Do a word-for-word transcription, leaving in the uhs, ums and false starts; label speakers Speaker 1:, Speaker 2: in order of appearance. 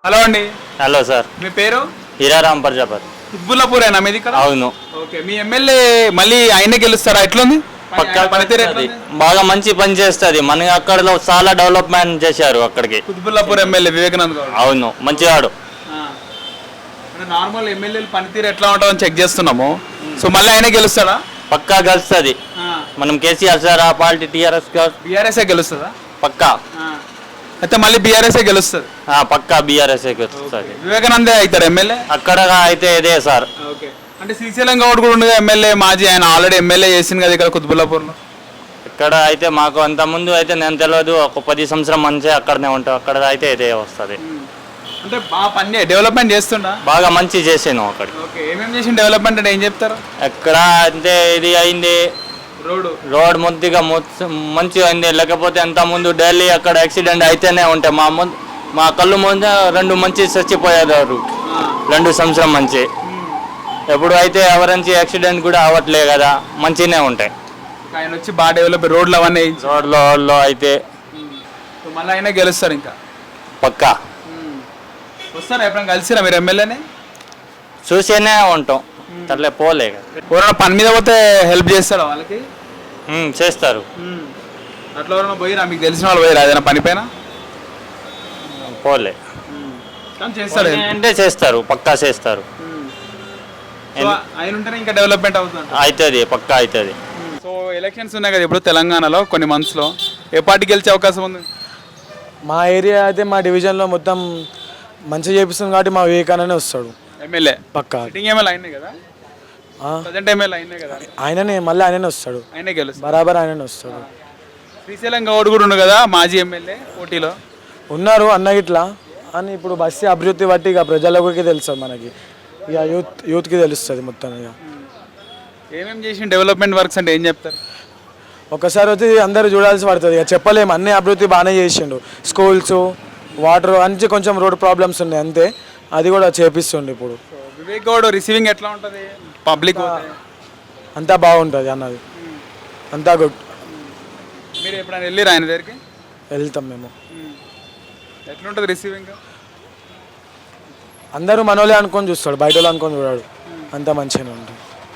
Speaker 1: Hello అండి.
Speaker 2: Hello sir,
Speaker 1: మీ పేరు?
Speaker 2: హీరారాం ప్రజాపతి.
Speaker 1: కుత్బుల్లాపూరేనా మీది ఇక్కడ?
Speaker 2: అవును.
Speaker 1: ఓకే, మీ ఎమ్మెల్యే మళ్ళీ ఆయనే గెలుస్తారా? ఎట్లుంది
Speaker 2: పక్కా
Speaker 1: పనితీరు?
Speaker 2: అది
Speaker 1: ఎట్లుంది?
Speaker 2: బాగా మంచి పని చేస్తుంది. మన అక్కడ చాలా డెవలప్మెంట్ చేశారు అక్కడికి.
Speaker 1: కుత్బుల్లాపూర్ ఎమ్మెల్యే వివేకానంద్ గౌడ్.
Speaker 2: అవును, మంచివాడు.
Speaker 1: నార్మల్ ఎమ్మెల్యేలు పనితీరు ఎట్లా ఉంటుందని చెక్ చేస్తున్నాము. సో మళ్ళీ ఆయనే గెలుస్తాడా?
Speaker 2: పక్కా గెలుస్తుంది. మనం కేసీఆర్ సార్ ఆ పార్టీ టీఆర్ఎస్
Speaker 1: బీఆర్ఎస్ గెలుస్తుందా?
Speaker 2: పక్కా.
Speaker 1: అయితే మళ్ళీ బీఆర్ఎస్ గెలుస్తుంది.
Speaker 2: ఆ, పక్కా బీఆర్ఎస్ గెలుస్తుంది.
Speaker 1: వివేకానందే అవుతాడు ఎమ్మెల్యే
Speaker 2: అక్కడ అయితే ఇదే సార్.
Speaker 1: ఓకే, అంటే శ్రీశైలం గౌడ్ కూడా ఉండగా ఎమ్మెల్యే మాజీ, ఆయన ఆల్రెడీ ఎమ్మెల్యే చేసింది కదా ఇక్కడ కుత్బుల్లాపూర్లో.
Speaker 2: ఇక్కడ అయితే మాకు అంత ముందు అయితే నేను తెలియదు, ఒక పది సంవత్సరం మంచి అక్కడనే ఉంటాం. అక్కడ అయితే ఇదే వస్తుంది.
Speaker 1: అంటే బాగా పని డెవలప్మెంట్ చేస్తుండా?
Speaker 2: బాగా మంచి చేసాను అక్కడ.
Speaker 1: ఓకే, ఏమేమి చేసిన డెవలప్మెంట్ అంటే ఏం చెప్తారు?
Speaker 2: ఎక్కడ అంటే ఇది అయింది,
Speaker 1: రోడ్
Speaker 2: రోడ్ ముద్దిగా మంచిగా అయింది. లేకపోతే అంత ముందు ఢిల్లీ అక్కడ యాక్సిడెంట్ అయితేనే ఉంటాయి. మా ముందు మా కళ్ళు ముందు రెండు మంచి చచ్చిపోయారు రెండు సంవత్సరం మంచి. ఎప్పుడు అయితే ఎవరించి యాక్సిడెంట్ కూడా అవ్వట్లే కదా, మంచిగానే ఉంటాయి.
Speaker 1: ఆయన వచ్చి బాగా డెవలప్ రోడ్లు అవన్నీ
Speaker 2: రోడ్లో అయితే
Speaker 1: మళ్ళీ అయినా గెలుస్తారు ఇంకా
Speaker 2: పక్కా.
Speaker 1: వస్తారా ఎప్పుడైనా కలిసిరా మీరు ఎమ్మెల్యేని?
Speaker 2: చూసేనే ఉంటాం, అట్లే పోలే కదా.
Speaker 1: ఎవరైనా పని మీద పోతే హెల్ప్ చేస్తారా వాళ్ళకి?
Speaker 2: చేస్తారు.
Speaker 1: అట్లా ఎవరైనా పోయిరా? మీకు తెలిసిన వాళ్ళు పోయిరా ఏదైనా పని పైన?
Speaker 2: పోలే
Speaker 1: కానీ చేస్తారు
Speaker 2: అంటే చేస్తారు, పక్కా చేస్తారు.
Speaker 1: ఆయన ఉంటేనే ఇంకా డెవలప్మెంట్ అవుతుంది.
Speaker 2: అవుతుంది, పక్కా అవుతుంది.
Speaker 1: సో ఎలక్షన్స్ ఉన్నాయి కదా ఇప్పుడు తెలంగాణలో కొన్ని మంత్స్లో, ఏ పార్టీ గెలిచే అవకాశం ఉంది?
Speaker 3: మా ఏరియా అయితే మా డివిజన్లో మొత్తం మంచిగా చేపిస్తుంది కాబట్టి మా వివేకానందనే వస్తాడు
Speaker 1: ఎమ్మెల్యే.
Speaker 3: పక్కా
Speaker 1: ఎమ్మెల్యే అయినా కదా, ప్రజెంట్ ఎమ్మెల్యే అయినా కదా,
Speaker 3: ఆయననే మళ్ళీ ఆయననే వస్తాడు.
Speaker 1: ఆయనే గెలుస్తాడు
Speaker 3: బరాబర్ ఆయననే వస్తాడు.
Speaker 1: శ్రీశైలం గౌడ్ కూడా ఉండు కదా మాజీ ఎమ్మెల్యే పోటీలో
Speaker 3: ఉన్నారు అన్న ఇట్లా అని. ఇప్పుడు బస్సు అభివృద్ధి బట్టి ఇక ప్రజలకి తెలుస్తుంది, మనకి ఇక యూత్ యూత్కి తెలుస్తుంది మొత్తం. ఇక
Speaker 1: ఏమేమి చేసిన డెవలప్మెంట్ వర్క్స్ అంటే ఏం చెప్తారు?
Speaker 3: ఒకసారి వచ్చి అందరూ చూడాల్సి పడుతుంది, ఇక చెప్పలేము. అన్ని అభివృద్ధి బాగానే చేసిండు. స్కూల్స్, వాటర్ అన్ని కొంచెం రోడ్ ప్రాబ్లమ్స్ ఉన్నాయి అంతే, అది కూడా చేపిస్తుండే. ఇప్పుడు
Speaker 1: వివేక్ గౌడ్ రిసీవింగ్ ఎట్లా ఉంటుంది పబ్లిక్?
Speaker 3: అంతా బాగుంటుంది అన్నది, అంతా గుడ్.
Speaker 1: మీరు ఎప్పుడైనా వెళ్ళిరా ఆయన దగ్గరికి?
Speaker 3: వెళ్తాం మేము.
Speaker 1: ఎట్లుంటుంది రిసీవింగ్?
Speaker 3: అందరూ మనోళ్ళే అనుకొని చూస్తాడు, బయట వాళ్ళు అనుకొని చూడాడు. అంతా మంచిగానే ఉంటుంది.